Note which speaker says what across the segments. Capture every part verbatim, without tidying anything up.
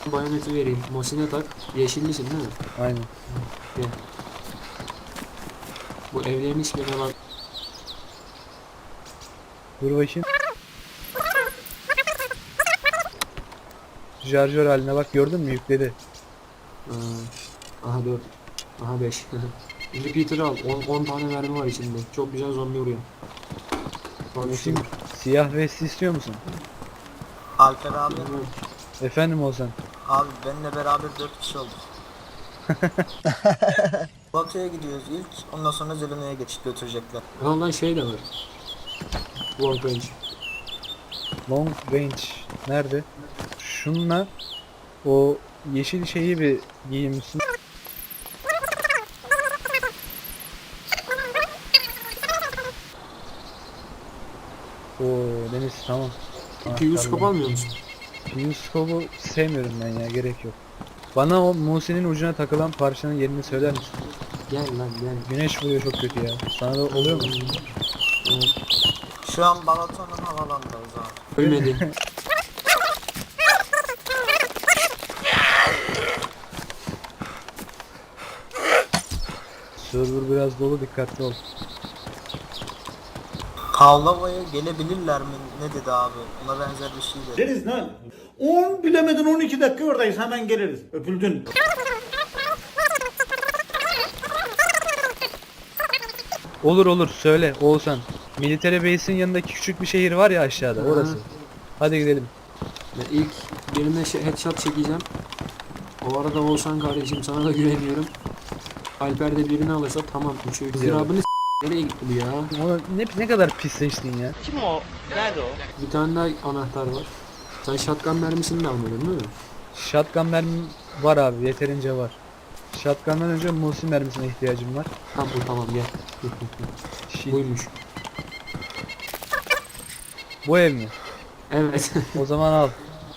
Speaker 1: Bayoneti vereyim. Mosine tak. Yeşillisin değil mi?
Speaker 2: Aynen.
Speaker 1: Gel. Bu evlerin hiçbirine bak.
Speaker 2: Dur bakayım. Şarjör haline bak, gördün mü, yükledi.
Speaker 1: Aa, aha dört. Aha beş. Repeater'ı al. on tane mermi var içinde. Çok güzel zombi vuruyor. Bak
Speaker 2: Bakayım,
Speaker 1: şimdi.
Speaker 2: siyah vesti istiyor musun?
Speaker 3: Alper abi,
Speaker 2: Efendim Ozan.
Speaker 3: abi benimle beraber dört kişi olduk. Batı'ya gidiyoruz ilk, ondan sonra Zelena'ya geçip götürecekler.
Speaker 1: Ondan şey de var. Long range.
Speaker 2: Long range nerede? Şunla o yeşil şeyi bir giymişsin. Oo Deniz, tamam.
Speaker 1: Q-scope almıyor musun?
Speaker 2: Q-scope'u sevmiyorum ben ya, gerek yok. Bana o Muse'nin ucuna takılan parçanın yerini söyler misin?
Speaker 1: Gel lan gel.
Speaker 2: Güneş vuruyor çok kötü ya. Sana da oluyor mu?
Speaker 1: Evet.
Speaker 3: Şu an Balaton'un havalandayız abi.
Speaker 1: Ölmedi.
Speaker 2: Server biraz dolu, dikkatli ol.
Speaker 3: Kavlava'ya gelebilirler mi? Ne dedi abi? Ona benzer bir şey dedi.
Speaker 4: Deriz ne? on bilemedin on iki dakika oradayız, hemen geliriz. Öpüldün.
Speaker 2: Olur olur, söyle Oğuzhan. Military Base'in yanındaki küçük bir şehir var ya aşağıda,
Speaker 1: Hı.
Speaker 2: orası. Hadi gidelim.
Speaker 1: Ben ilk birine şey, headshot çekeceğim. O arada Oğuzhan kardeşim sana da güveniyorum. Alper de birini alırsa tamam. Üçü zirabını s- nereye gitti bu ya?
Speaker 2: Ama ne, ne kadar pisleştin ya.
Speaker 5: Kim o? Nerede o?
Speaker 1: Bir tane daha anahtar var. Sen shotgun mermisini de almadın değil mi?
Speaker 2: Shotgun mermim var abi, yeterince var. Shotgun'dan önce Musi mermisine ihtiyacım var.
Speaker 1: Tamam bu tamam gel.
Speaker 2: Shit.
Speaker 1: Buymuş.
Speaker 2: Bu ev mi?
Speaker 1: Evet.
Speaker 2: O zaman al.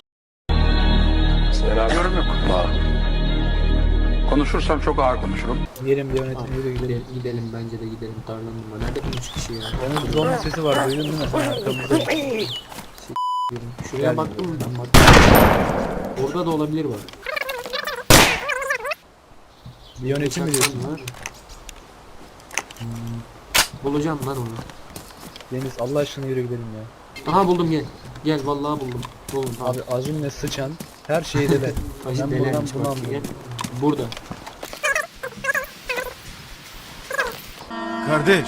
Speaker 6: Yorum yok. Konuşursam çok ağır konuşurum.
Speaker 2: Yerim bir yönetim, yürü gidelim.
Speaker 1: gidelim, gidelim bence de gidelim tarlanın var. Nerede bu üç kişi ya?
Speaker 2: Onun zombi sesi var, duydun değil mi? Sen arkamızda.
Speaker 1: Yürü. Şuraya
Speaker 2: Gel.
Speaker 1: baktın mı ben baktım. Orada da olabilir bak.
Speaker 2: Bir yönetim mi diyorsun?
Speaker 1: Shotgun var. Hmm. Bulacağım lan onu.
Speaker 2: Deniz, Allah aşkına yürü gidelim ya.
Speaker 1: Aha buldum gel. Gel vallahi buldum. Buldum tamam.
Speaker 2: Abi azimle sıçan her şeyi de ben.
Speaker 1: Acı
Speaker 2: Ben buradan
Speaker 1: delermiş
Speaker 2: bunu
Speaker 1: bak.
Speaker 2: anlıyorum.
Speaker 1: Gel. Burada.
Speaker 7: Kardeş.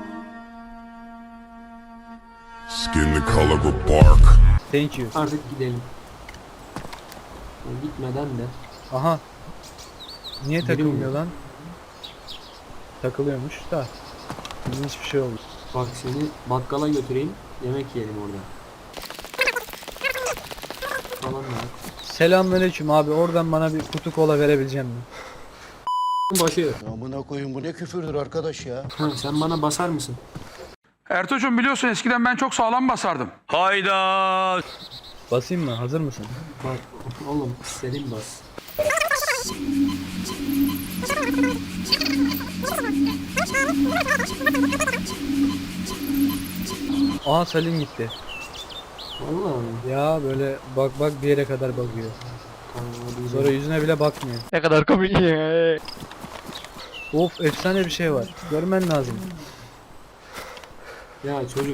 Speaker 8: Skin the color of bark.
Speaker 2: Thank you.
Speaker 1: Artık gidelim. Ya gitmeden de.
Speaker 2: Aha. Niye
Speaker 1: Biri
Speaker 2: takılmıyor
Speaker 1: mi?
Speaker 2: lan? Takılıyormuş da. İlginç bir şey oldu.
Speaker 1: Bak seni bakkala götüreyim. Yemek yiyelim orada. Falan da.
Speaker 2: Selamünaleyküm abi, oradan bana bir kutu kola verebilecek misin?
Speaker 1: Başı.
Speaker 7: Amına koyun, bu ne küfürdür arkadaş ya.
Speaker 1: Ha, sen bana basar mısın?
Speaker 6: Ertuğ'cum biliyorsun eskiden ben çok sağlam basardım. Hayda.
Speaker 2: Basayım mı? Hazır mısın?
Speaker 1: Bak oğlum istediğin bas.
Speaker 2: Aha Salim gitti.
Speaker 1: Vallahi.
Speaker 2: Ya böyle bak bak bir yere kadar bakıyor.
Speaker 1: Tamam, hadi
Speaker 2: Sonra
Speaker 1: gidelim.
Speaker 2: yüzüne bile bakmıyor.
Speaker 5: Ne kadar komik ya.
Speaker 2: Of, efsane bir şey var. Görmen lazım.
Speaker 1: Ya çocuk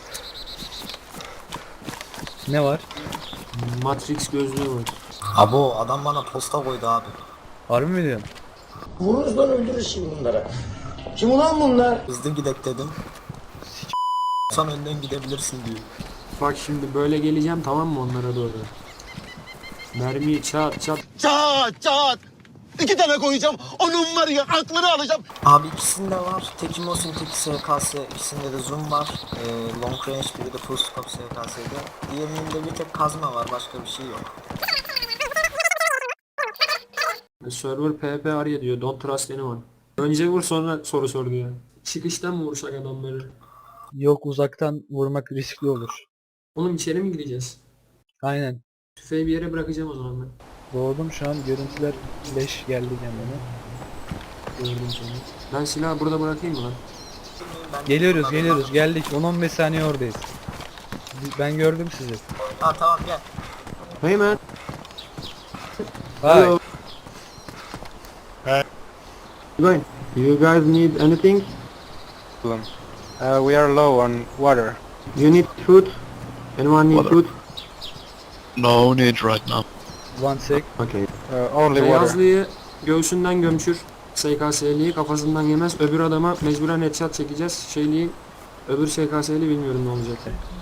Speaker 2: Ne var?
Speaker 1: Matrix gözlüğü var.
Speaker 3: Abo adam bana posta koydu abi.
Speaker 2: Harbi mi diyorsun?
Speaker 4: Vururuz lan, öldürürüz şimdi bunlara. Kim ulan bunlar?
Speaker 3: Hızlı gidek dedim. Sen önden gidebilirsin diyor.
Speaker 1: Bak şimdi böyle geleceğim tamam mı onlara doğru. Mermiyi çat çat.
Speaker 7: Çat çat. İki tane koyacağım. Onun var ya, aklını alacağım.
Speaker 3: Abi ikisinde var. Teki Mosin, teki S K S. İkisinde de zoom var. Ee, long range, biri de full scope S K S'de. Diğerinin de bir tek kazma var. Başka bir şey yok.
Speaker 1: Server P P arıyor diyor. Don't trust anyone. Önce vur sonra soru sor diyor. Çıkıştan mı vursak adamları?
Speaker 2: Yok, uzaktan vurmak riskli olur.
Speaker 1: Oğlum içeri mi gireceğiz?
Speaker 2: Aynen.
Speaker 1: Tüfeği bir yere bırakacağım o zaman ben.
Speaker 2: Doğdum şu an, görüntüler leş geldi kendime.
Speaker 1: Gördüm seni. Ben silahı burada bırakayım mı lan?
Speaker 3: Ben
Speaker 2: Geliyoruz geliyoruz, geldik. on on beş saniye oradayız. Ben gördüm sizi.
Speaker 3: Ha tamam gel.
Speaker 1: Hey man.
Speaker 2: Hi.
Speaker 1: Going. You guys need anything?
Speaker 2: Uh, we are low on water.
Speaker 1: You need food? Anyone need food?
Speaker 5: No need right now.
Speaker 2: One sec.
Speaker 1: Okay.
Speaker 2: Uh, only water.
Speaker 1: Beyazlıyı göğsünden gömçür. S K S'liyi kafasından yemez. Öbür adama mecburen headshot çekeceğiz. Şeyliği öbür S K S'li bilmiyorum ne olacak.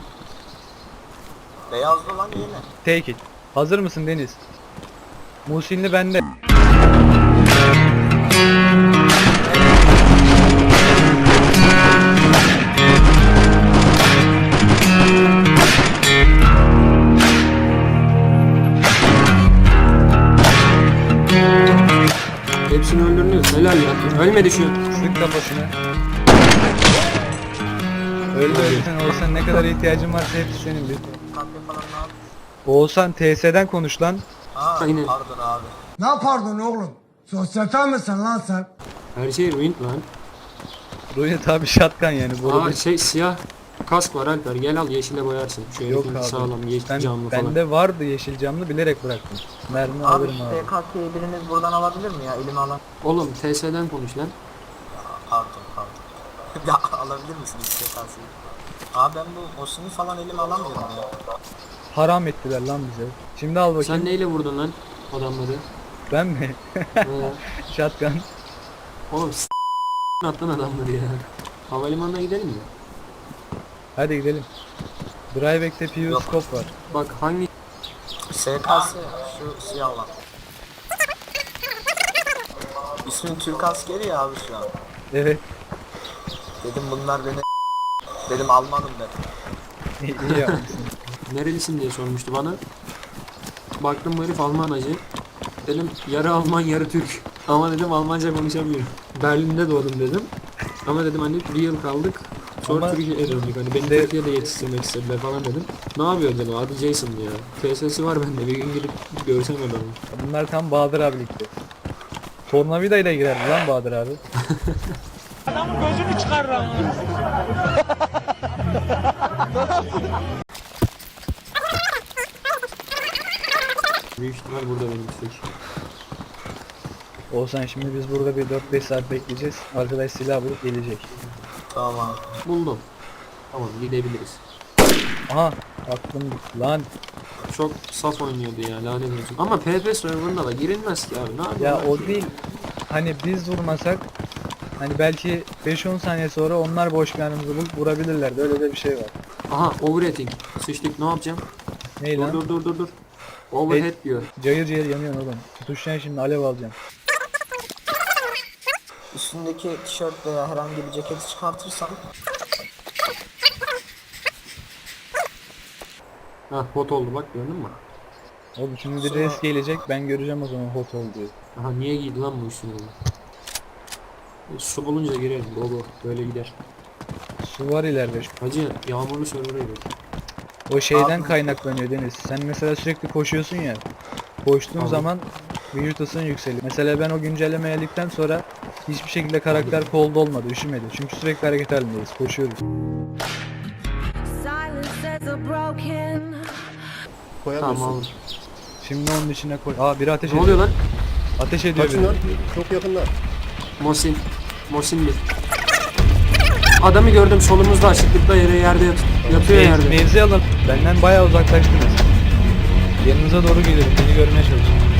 Speaker 3: Beyazlı lan yine.
Speaker 2: Take it. Hazır mısın Deniz? Muhsinli bende.
Speaker 1: Hepsini öldürmüyoruz. Helal ya. Ölmedi şu.
Speaker 2: Sık kafasını. Öldü öldü sen Oğuzhan, ne kadar ihtiyacın varsa hepsi senin bir.
Speaker 3: Kahve falan ne yap?
Speaker 2: Oğuzhan T S'den konuş lan.
Speaker 3: Aa
Speaker 1: Aynen.
Speaker 3: pardon abi.
Speaker 9: Ne pardon oğlum? Sosyete misin lan sen?
Speaker 1: Her şey ruined lan.
Speaker 2: Ruya tabi shotgun yani bu
Speaker 1: Aa
Speaker 2: arada.
Speaker 1: şey siyah kask var Alper. Gel al yeşile boyarsın. Şöyle
Speaker 2: Yok
Speaker 1: bir
Speaker 2: abi.
Speaker 1: sağlam yeşil
Speaker 2: Ben,
Speaker 1: camlı falan.
Speaker 2: bende vardı yeşil camlı, bilerek bıraktım. Mermi
Speaker 3: Abi
Speaker 2: alırım
Speaker 3: şu
Speaker 2: abi.
Speaker 3: S K S'yi biriniz buradan alabilir mi ya? Elime alan.
Speaker 1: Oğlum T S'den konuş lan.
Speaker 3: Pardon pardon. Ya alabilir misiniz S K S'yi? Abi ben bu Mosin'i falan elime alamıyorum ya.
Speaker 2: Haram ettiler lan bize. Şimdi al bakayım.
Speaker 1: Sen neyle vurdun lan adamları?
Speaker 2: Ben mi?
Speaker 1: Ee,
Speaker 2: Shotgun.
Speaker 1: Oğlum s*** attın adamları ya. Havalimanına gidelim mi?
Speaker 2: Hadi gidelim. Dryback'te P U
Speaker 3: Yok.
Speaker 2: scope var.
Speaker 1: Bak hangi
Speaker 3: S K S şu siyah olan. İsmin Türk askeri ya abi şu an.
Speaker 2: Evet.
Speaker 3: Dedim bunlar beni dedim Almanım ben.
Speaker 2: İyi iyi yapmışsın.
Speaker 1: nerelisin diye sormuştu bana. Baktım bu herif Alman hacı. Dedim yarı Alman yarı Türk. Ama dedim Almanca konuşamıyorum. Berlin'de doğdum dedim. Ama dedim hani bir yıl kaldık. Sonra
Speaker 2: Ama
Speaker 1: Türkiye'ye döndük. Hani beni
Speaker 2: de-
Speaker 1: Türkiye'de yetiştirmek istediler falan dedim. Ne yapıyor dedim. Adı Jason ya. T S'si var bende. Bir gün gidip görsem adamı.
Speaker 2: bunlar tam Bahadır abilikti. Tornavida ile girerdi lan Bahadır abi.
Speaker 1: Büyük ihtimal burada benim istek.
Speaker 2: Olsan şimdi biz burada bir dört beş saat bekleyeceğiz. Arkadaş silah bulup gelecek.
Speaker 3: Tamam.
Speaker 1: Buldum. Tamam gidebiliriz.
Speaker 2: Aha aklım gitti lan.
Speaker 1: Çok saf oynuyordu ya lanet olsun. Ama P P serverında da girilmez ki abi. Ne yapayım?
Speaker 2: Ya o değil. Hani biz vurmasak hani belki beş on saniye sonra onlar boş karnımızı bulup vurabilirlerdi. Öyle de bir şey var.
Speaker 1: Aha overrating. Sıçtık ne yapacağım?
Speaker 2: Ney
Speaker 1: Dur
Speaker 2: lan?
Speaker 1: dur dur dur dur. Overhead diyor.
Speaker 2: Cayır cayır yanıyorsun oğlum. Tutuşacaksın şimdi, alev alacaksın.
Speaker 3: Üstündeki tişört veya herhangi bir ceketi çıkartırsan
Speaker 1: Ha hot oldu bak gördün mü?
Speaker 2: Oğlum şimdi bir
Speaker 3: Sonra-
Speaker 2: res gelecek, ben göreceğim o zaman hot olduğu.
Speaker 1: Aha niye giydi lan bu üstüne? E, su bulunca girelim. Baba böyle gider.
Speaker 2: Su var ileride.
Speaker 1: Hacı yağmurlu server'a gidelim.
Speaker 2: O şeyden
Speaker 3: Abi-
Speaker 2: kaynaklanıyor Deniz. Sen mesela sürekli koşuyorsun ya. Koştuğun
Speaker 1: Tamam.
Speaker 2: zaman vücut ısın yükseliyor. Mesela ben o güncelleme geldikten sonra hiçbir şekilde karakter cold olmadı, üşümedi. Çünkü sürekli hareket halindeyiz, koşuyoruz.
Speaker 1: Tamam aldım.
Speaker 2: Şimdi onun içine koy. Aa biri ateş
Speaker 1: Ne
Speaker 2: ediyor.
Speaker 1: oluyor lan?
Speaker 2: Ateş ediyor biri.
Speaker 7: Çok yakınlar.
Speaker 1: Mosin. Mosin bir. Adamı gördüm solumuzda açıklıkta yere yerde yat yatıyor
Speaker 2: Mev-
Speaker 1: yerde.
Speaker 2: Mevzi alın. Benden bayağı uzaklaştınız. Yanınıza doğru geliyorum. Beni görmeye çalışın.